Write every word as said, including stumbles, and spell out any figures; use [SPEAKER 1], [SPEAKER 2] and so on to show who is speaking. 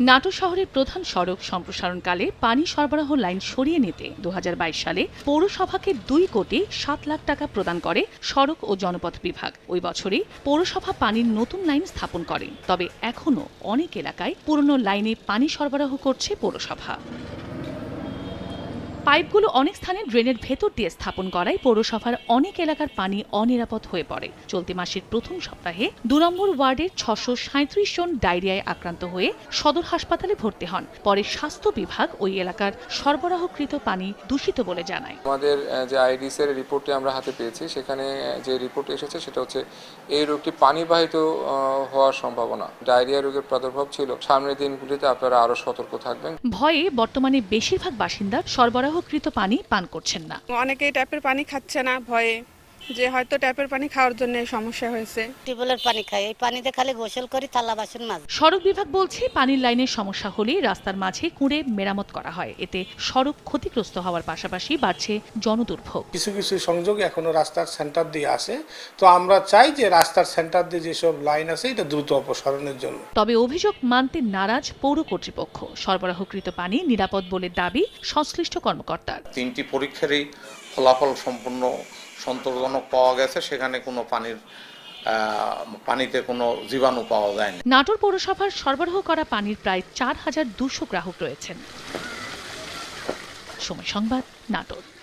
[SPEAKER 1] নাটোর শহরের প্রধান সড়ক সম্প্রসারণকালে পানি সরবরাহ লাইন সরিয়ে নিতে দু হাজার বাইশ সালে পৌরসভাকে দুই কোটি সাত লাখ টাকা প্রদান করে সড়ক ও জনপথ বিভাগ। ওই বছরই পৌরসভা পানির নতুন লাইন স্থাপন করে। তবে এখনও অনেক এলাকায় পুরনো লাইনে পানি সরবরাহ করছে পৌরসভা। পাইপগুলো অনেক স্থানে ড্রেনের ভেতর দিয়ে স্থাপন করায় পৌরসভার অনেক এলাকার পানি অনিরাপদ হয়ে পড়ে। চলতি মাসের প্রথম সপ্তাহে দু নম্বর ওয়ার্ডের ছশো সাঁত্রিশ জন ডায়রিয়ায় আক্রান্ত হয়ে সদর হাসপাতালে ভর্তি হন। পরে স্বাস্থ্য বিভাগ ওই এলাকার সরবরাহকৃত পানি দূষিত বলে জানায়।
[SPEAKER 2] আমাদের যে আইডিসি এর রিপোর্টটি আমরা হাতে পেয়েছি, সেখানে যে রিপোর্ট এসেছে সেটা হচ্ছে এই রোগটি পানিবাহিত হওয়ার সম্ভাবনা, ডায়রিয়া রোগের প্রাদুর্ভাব ছিল। সামনের দিনগুলিতে আপনারা আরো সতর্ক থাকবেন।
[SPEAKER 1] ভয়ে বর্তমানে বেশিরভাগ বাসিন্দা সরবরাহকৃত পানি পান করছেন না।
[SPEAKER 3] অনেকেই ট্যাপের পানি খাচ্ছে না ভয়ে, যে হয়তো ট্যাপের পানি খাওয়ার জন্য সমস্যা হয়েছে।
[SPEAKER 4] টিউবওয়েলের পানি খাই, এই পানিতে খালি গোসল করি, থালা বাসন মাঝে।
[SPEAKER 1] সড়ক বিভাগ বলছে পানির লাইনের সমস্যা হলে রাস্তার মাঝে কুঁড়ে মেরামত করা হয়। এতে সড়ক ক্ষতিগ্রস্ত হওয়ার পাশাপাশি বাড়ছে জনদুর্ভোগ।
[SPEAKER 5] কিছু কিছু সংযোগ এখনো রাস্তার সেন্টার দিয়ে আসে, তো আমরা চাই যে রাস্তার সেন্টার দিয়ে যেসব লাইন আছে এটা দ্রুত অপসারণের জন্য।
[SPEAKER 1] তবে অভিযোগ মানতে নারাজ পৌর কর্তৃপক্ষ। সরবরাহকৃত পানি নিরাপদ বলে দাবি সংশ্লিষ্ট কর্মকর্তার।
[SPEAKER 6] তিনটি পরীক্ষারই ফলাফল সম্পূর্ণ সন্তোষজনক পাওয়া গেছে, সেখানে কোনো পানির পানিতে কোনো জীবাণু পাওয়া যায়নি।
[SPEAKER 1] নাটোর পৌরসভার সরবরাহ করা পানির প্রায় চার হাজার দুশো গ্রাহক রয়েছেন। সময় সংবাদ, নাটোর।